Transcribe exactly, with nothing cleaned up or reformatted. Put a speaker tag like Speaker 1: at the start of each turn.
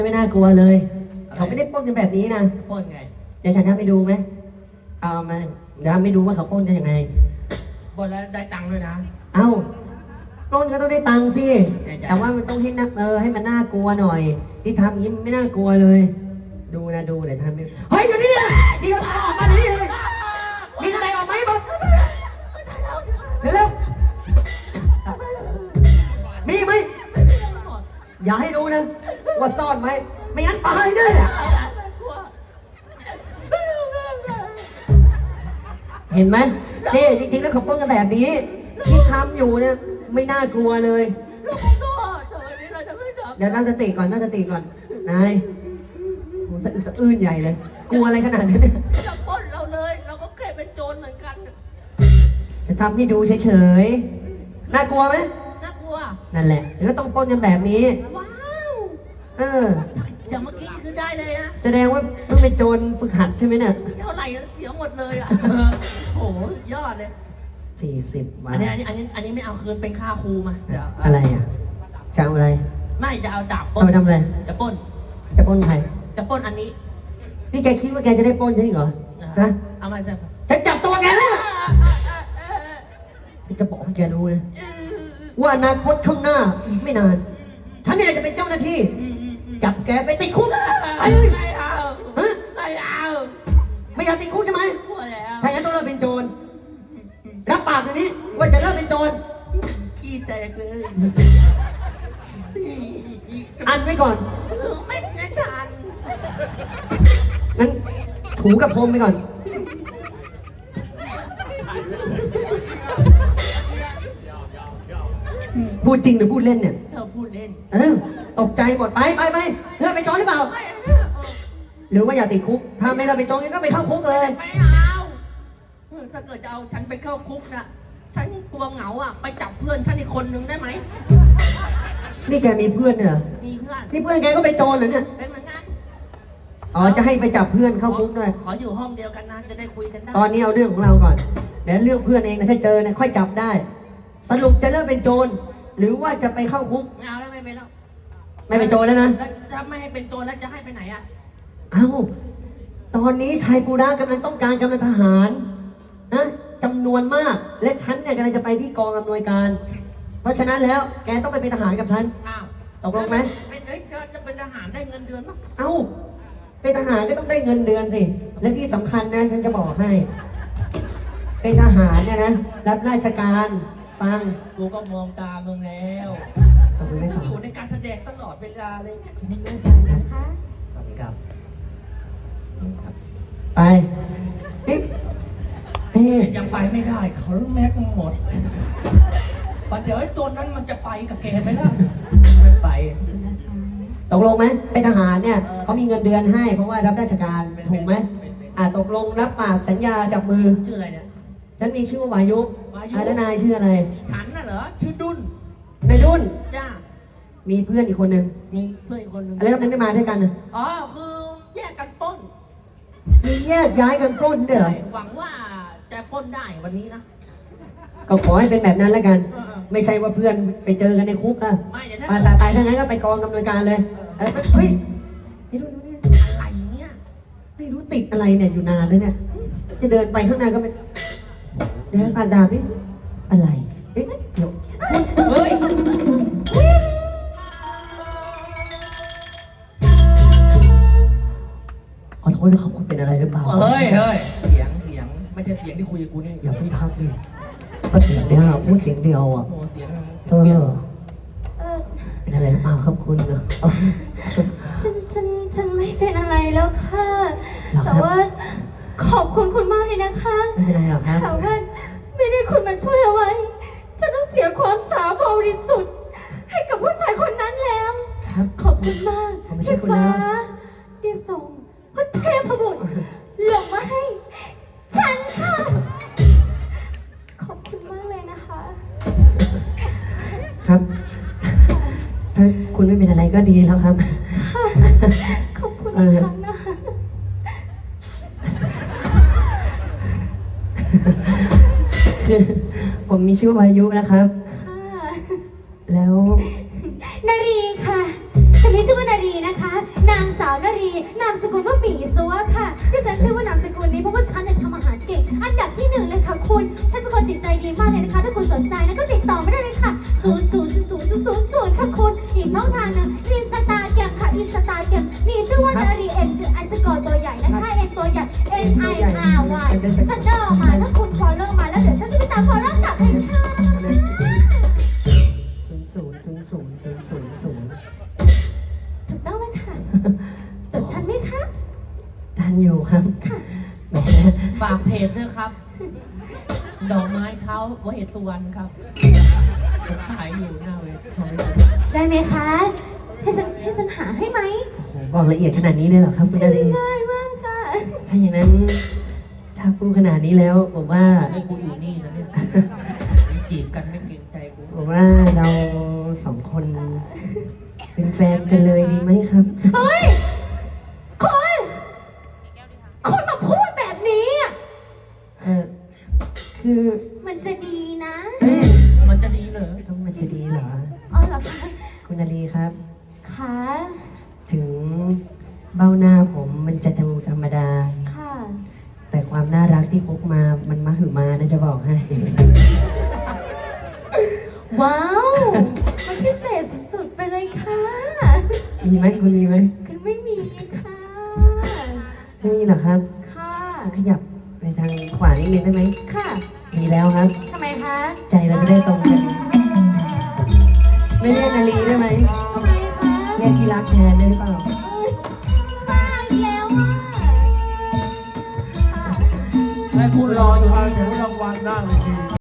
Speaker 1: ไม่น่ากลัวเลยเขาไม่ได้ปล้นกันแบบนี้นะ
Speaker 2: ปล้นไง
Speaker 1: เดี๋ยวฉันทำไปดูไหมเอามาเดี๋ยวทำไปดูว่าเขาปล้นกันยังไง
Speaker 2: ปล้นแล้วได้ตังค์ด้วยนะ
Speaker 1: เอ้าปล้นก็ต้องได้ตังค์สิแต่ว่ามันต้องให้นักเออให้มันน่ากลัวหน่อยที่ทำอย่างนี้มันไม่น่ากลัวเลยดูนะดูเดี๋ยวทำไปเฮ้ยอยู่นี่เลยนี่ก็พาออกมาดิเลยมีอะไรออกไหมบอกเร็วๆมีไหมอย่าให้รู้นะว่าซ่อนไหมไม่งั้นตายแน่เห็นไหมนี่จริงๆแล้วเขาป้องกันแบบนี้ที่ทำอยู่เนี่ยไม่น่ากลัวเลยเดี๋ยวตั้งสติก่อนตั้งสติก่อนนายโหสะอื้นใหญ่เลยกลัวอะไรขนาดนี้เนี่ย
Speaker 2: จะป้นเราเลยเราก็แค่เป็นโจรเหมือนกัน
Speaker 1: จะทำให้ดูเฉยๆน่ากลัวไหม
Speaker 2: น่ากลัว
Speaker 1: นั่นแหละก็ต้องป้องกันแบบนี้
Speaker 2: ว้าว
Speaker 1: เออ
Speaker 2: อย่างเมื่อกี้คือได้เลยนะ
Speaker 1: แสดงว่าเพิ่งเป็นโจรฝึกหัดใช่ไหมเนี่ย
Speaker 2: เท่าไหร่เสียหมดเลยอ่ะโหยอดเลย
Speaker 1: สี่สิบวัน
Speaker 2: อันนี้อันนี้อันนี้อันนี้ไม่เอาคืนเป็นค่าครูมาเดี๋ยว
Speaker 1: อะไรอ่ะจะเอาอะไร
Speaker 2: ไม่จะเอาดาบปล้
Speaker 1: นจะทำอะไร
Speaker 2: จะปล้น
Speaker 1: จะปล้นใคร
Speaker 2: จะปล้นอันนี้
Speaker 1: นี่แกคิดว่าแกจะได้ปล้นฉันเหรอฮะ
Speaker 2: เอามาจะ
Speaker 1: ฉันจับตัวแกแล้วฉันจะบอกให้แกรู้นะว่าอนาคตข้างหน้าอีกไม่นานฉันนี่แหละจะเป็นเจ้าหน้าที่จับแกไปติดคุก
Speaker 2: ไม่เอาไม่เอา
Speaker 1: ไม่อยากติดคุกใช่ไหมถ้าอย่างนั้นต้องเลิกเป็นโจรรับปากอย่างนี้ว่าจะเลิกเป็นโจร
Speaker 2: ขี้แตกเลย
Speaker 1: อันไว้ก่อน
Speaker 2: ไม่ได้ทัน
Speaker 1: งั้นถูกับพรมไปก่อนพูดจริงหรือพูดเล่นเนี่ย
Speaker 2: เธอพูดเล่น
Speaker 1: เออตกใจหมดไปไปไปเลิกไปโจรหรือเปล่าหรือว่าอยากติดคุกถ้าไม่เลิกไปโจรก็ไปเข้าคุกเลย
Speaker 2: ไม่เอาถ้าเกิดจะเอาฉันไปเข้าคุกนะฉันกลัวเหงาอ่ะไปจับเพื่อนฉันอีกคนนึงได้ไหม
Speaker 1: นี่แกมีเพื่อนเหรอ
Speaker 2: มีเพื่อน
Speaker 1: นี่เพื่อนแกก็ไปโจรเหรอเนี่ย
Speaker 2: เป็นเหมือนกัน
Speaker 1: อ๋อจะให้ไปจับเพื่อนเข้าคุกด้วย
Speaker 2: ขออยู่ห้องเดียวกันนะจะได้คุยกันได้
Speaker 1: ตอนนี้เอาเรื่องของเราก่อนเดี๋ยวเรื่องเพื่อนเองนะถ้าเจอเนี่ยค่อยจับได้สรุปจะเลิกเป็นโจรหรือว่าจะไปเข้าคุก
Speaker 2: ไม่เอาแล้วไม่เป็นแล้ว
Speaker 1: ไม่เป็นโจรแล้วนะ
Speaker 2: ถ้าไม่ให้เป็นโจรแล้วจะให้ไปไหนอ่ะ
Speaker 1: เอ้าตอนนี้ชัยปูระกำลังต้องการกำลังทหารนะจำนวนมากและฉันเนี่ยกำลังจะไปที่กองอำนวยการเพราะฉะนั้นแล้วแกต้องไปเป็นทหารกับฉัน
Speaker 2: อ้าว
Speaker 1: ตกลงไหม
Speaker 2: เป็นเอ้ยจะเป็นทหารได้เงินเดือนปะ
Speaker 1: เอ้าเป็นทหารก็ต้องได้เงินเดือนสิและที่สำคัญนะฉันจะบอกให้เป็นทหารเนี่ยนะรับราชการฟัง
Speaker 2: กูก็มองตามึงแล้วอยู่ในการแสดงตลอดเวลาเลยเนี่ย
Speaker 1: นี่ไม่ฟังนะคะสวัสดีครับไปเอ๊ะ
Speaker 2: ยังไปไม่ได้เขาแม็กหมดปัเดี๋ยวไอ้โจรนั้นมันจะไปกับแกไหมล่ะไม่ไป
Speaker 1: ตกลงไหมเป็นทหารเนี่ยเขามีเงินเดือนให้เพราะว่ารับราชการถูกไหมอ่าตกลงรับปากสัญญาจับมือ
Speaker 2: ชื่ออะไรเนี่ย
Speaker 1: ฉันมีชื่อว่าวายุอ่าแล้วนายชื่ออะไร
Speaker 2: ฉันน่ะเหรอชื่อดุน
Speaker 1: นายดุน
Speaker 2: จ้า
Speaker 1: มีเพื่อนอีกคนนึง
Speaker 2: มีเพื่อนอีกคนนึง
Speaker 1: แล้วทำไมไม่มาด้วยกันนะ
Speaker 2: อ๋อคือแยกกันปล้น
Speaker 1: มีแยกย้ายกันปล้นด้วยเหรอ
Speaker 2: หวังว่าจะปล้นได้วันนี้นะ
Speaker 1: ก็ขอให้เป็นแบบนั้นแล้วกันไม่ใช่ว่าเพื่อนไปเจอกันในคุกนะไปไปไปทั้งนั้นก็ไปกองอำนวยการเลยเฮ้ยไอ้รุ่นนี้
Speaker 2: อะไรเนี่ย
Speaker 1: ไม่รู้ติดอะไรเนี่ยอยู่นานเลยเนี่ยจะเดินไปข้างหน้าก็ไม่เดี๋ยวฟันดาบนี่อะไรเฮ้ยเดี๋ยวเฮ้ยขอโทษนะครับคุณเป็นอะไรหรือเปล่า
Speaker 2: เฮ้ยเฮ้ยเสียงเสียงไม่ใช่เสียงที่คุยกับกูนี่
Speaker 1: อย่าเพิ่งทักดิก็เสียงเดียวพูดเสียงเดียวอ่ะ
Speaker 2: โอ้เสียง
Speaker 1: เออเป็นอะไรหรือเปล่าครับคุณเนอะ
Speaker 3: ฉันฉันฉันไม่เป็นอะไรแล้วค่ะแต่ว่าขอบคุณคุณมากเลยนะคะ
Speaker 1: ไม่เป็นไรหรอกครับ
Speaker 3: แต่ว่าไม่ได้คุณมาช่วยเอาไว้ฉันต้องเสียความสาบริสุทธิ์ให้กับผู้ชายคนนั้นแล้วขอบคุณมากที่ฟ้าได้ส่งพระเทพบุตรลงมาให้ฉันค่ะขอบคุณมากเลยนะคะ
Speaker 1: ครับถ้าคุณไม่เป็นอะไรก็ดีแล้วครับ
Speaker 3: ขอบคุณอีกครั้งนะ
Speaker 1: คือผมมีชื่อวายุนะครับแล้ว
Speaker 3: นารีค่ะฉันมีชื่อว่านารีนะคะ นางสาวนารีนามสกุลว่าหมีซัวค่ะที่ฉันชื่อว่านามสกุลนี้เพราะว่าฉันเนี่ยทำอาหารเก่งอันดับที่หนึ่งเลยค่ะคุณฉันเป็นคนจิตใจดีมากเลยนะคะถ้าคุณสนใจนะก็ติดต่อไม่ได้เลยค่ะศูนย์ศูนย์ศูนย์ศูนย์ศูนย์ศูนย์ค่ะคุณอีกช่องทางหนึงอินสตาแกรมค่ะอินสตาแกรมมีชื่อว่านารีเอ็นไอสกอร์ตัวใหญ่นะคะเอ็นตัวใหญ่ N I R Y ฉันเดินออกมาถ้าคุณฟอลโล่มาแล้วเดี๋ยวฉันจะไปตามฟอลโล่กลับเองค่ะ
Speaker 1: ศูนย์ศูนย์ศูนย์ศูนย์ศูนย์ศูนย์ศูนย์
Speaker 3: ถูกต้องเลยค่ะตดทันไหมคะ
Speaker 1: ทันอยู่ครับแหม
Speaker 2: ฝากเพจด้วยครับ ดอกไม้เท้าวเหตุสุวรรณครับผมขายอยู่หน้าเว็บ
Speaker 3: ได้ไหมคะ ให้ฉันให้ฉันหาให้ไหม
Speaker 1: โอ้โหบอกละเอียดขนาดนี้เลยเหรอครับคุณนารี
Speaker 3: ง่ายมากค่ะ
Speaker 1: ถ้าอย่างนั้น ถ้าพูดขนาดนี้แล้วผมว่า
Speaker 2: ไอ้กูอยู่นี่นะเนี่ยจีบกันไม่เกรงใจกู
Speaker 1: ผมว่าเราสองคน เป็นแฟนกันเลยดีไหมครับ
Speaker 3: เฮ้ยคุณคุณมาพูดแบบนี้อ่ะ
Speaker 1: เออคือ
Speaker 3: มันจะดีนะ
Speaker 2: มันจะดีเหรอ
Speaker 1: ต้องมันจะดีเหรอ
Speaker 3: อ๋อเหรอคะ
Speaker 1: คุณนารีครับ
Speaker 3: ค่ะ
Speaker 1: ถึงเบ้าหน้าผมมันจะดูธรรมดา
Speaker 3: ค่ะ
Speaker 1: แต่ความน่ารักที่พกมา มันมหึมานะจะบอกให้
Speaker 3: ว้าว มันพิเศษสุดๆไปเลยค่ะ
Speaker 1: มีไหมคุณมีไหม
Speaker 3: กันไม่มีค่ะ
Speaker 1: ไม่มีเหรอครับ
Speaker 3: ค่ะ
Speaker 1: ขยับไปทางขวานิดนึงได้ไหม
Speaker 3: ค่ะ
Speaker 1: มีแล้วครับ
Speaker 3: ว